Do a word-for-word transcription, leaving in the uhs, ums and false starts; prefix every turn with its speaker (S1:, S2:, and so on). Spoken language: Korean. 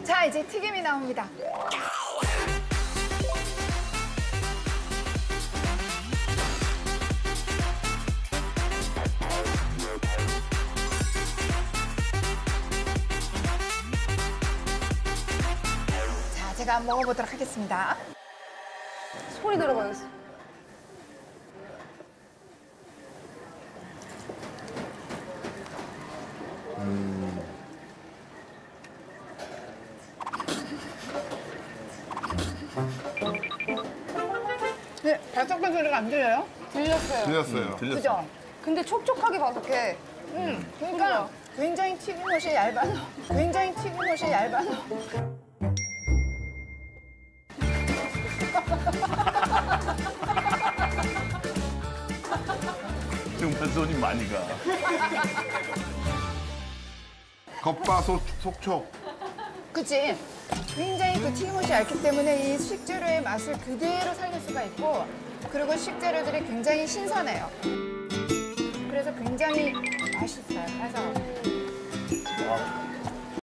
S1: 자, 이제 튀김이 나옵니다. 자, 제가 한번 먹어보도록 하겠습니다.
S2: 소리 들어봐야겠어.
S3: 음.
S1: 네, 바삭한 소리가 안 들려요?
S2: 들렸어요.
S3: 들렸어요. 들렸어요.
S1: 그죠?
S2: 근데 촉촉하게 바삭해.
S1: 음, 그러니까 굉장히 튀김옷이 얇아서, 굉장히 튀김옷이 얇아서.
S4: 정말 손이 많이 가.
S3: 겉바속 속촉.
S1: 그치? 굉장히 그 튀김옷이 얇기 때문에 이 식재료의 맛을 그대로 살릴 수가 있고, 그리고 식재료들이 굉장히 신선해요. 그래서 굉장히 맛있어요. 그래서